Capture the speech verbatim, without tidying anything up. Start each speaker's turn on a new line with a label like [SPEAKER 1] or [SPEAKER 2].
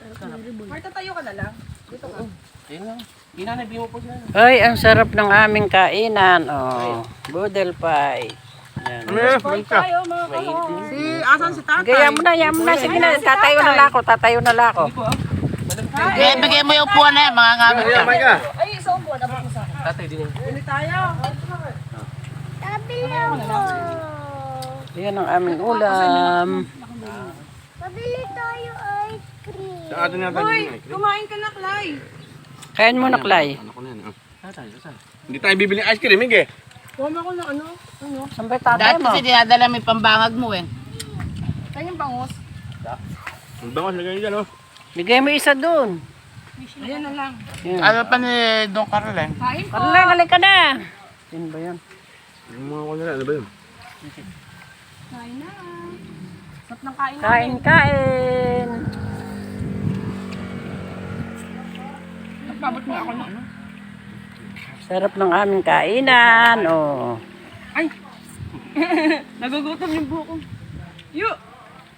[SPEAKER 1] Marta, tayo ka na lang. Dito ka.
[SPEAKER 2] Ayun lang. Inanay, mo po siya.
[SPEAKER 3] Ay, ang sarap ng aming kainan. Oh, boodle pie. Yan.
[SPEAKER 1] Boy tayo mga kahon. Si, asan si tatay?
[SPEAKER 3] Gaya mo na, yan mo na. Sige na, tatayo na lako, tatayo na lako.
[SPEAKER 4] Bigay, bigay mo yung upuan na yan, mga ngamit ka.
[SPEAKER 1] Ay, isa upuan. Abot mo sa akin.
[SPEAKER 2] Tatay din yun.
[SPEAKER 1] Bili tayo.
[SPEAKER 5] Pabili ako.
[SPEAKER 3] Yan ang aming ulam.
[SPEAKER 5] Pabili tayo ice cream.
[SPEAKER 6] Sa atin yata
[SPEAKER 1] Hoy,
[SPEAKER 6] yung ice cream.
[SPEAKER 1] kumain ka na, Clay.
[SPEAKER 3] Kain mo na, Clay.
[SPEAKER 6] Ano ko na yan? ah.
[SPEAKER 2] Tatay, tatay.
[SPEAKER 6] Hindi tayo bibili ice cream, Mige.
[SPEAKER 1] Kuha mo ako ng ano? Ano?
[SPEAKER 3] Saan ba yung tatay
[SPEAKER 4] Dahil
[SPEAKER 3] mo?
[SPEAKER 4] kasi dinadala mo yung pambangag mo eh.
[SPEAKER 1] Kanyang bangus.
[SPEAKER 6] Ang bangas, lagay nyo dyan, oh.
[SPEAKER 3] Bigay mo isa doon.
[SPEAKER 1] Ayan na lang.
[SPEAKER 3] Yan.
[SPEAKER 4] Ano pa ni Don Carlen?
[SPEAKER 1] Kain po.
[SPEAKER 3] Karlay, galing ka na. Yan ba yan?
[SPEAKER 6] Yung mga ko nila, ano ba yun?
[SPEAKER 1] Kain na. Sarap ng kain namin.
[SPEAKER 3] Kain, kain.
[SPEAKER 1] Nagpabot mo ako ng ano?
[SPEAKER 3] Sarap ng aming kainan. Oh.
[SPEAKER 1] Ay! Nagugutom yung buko. Yo!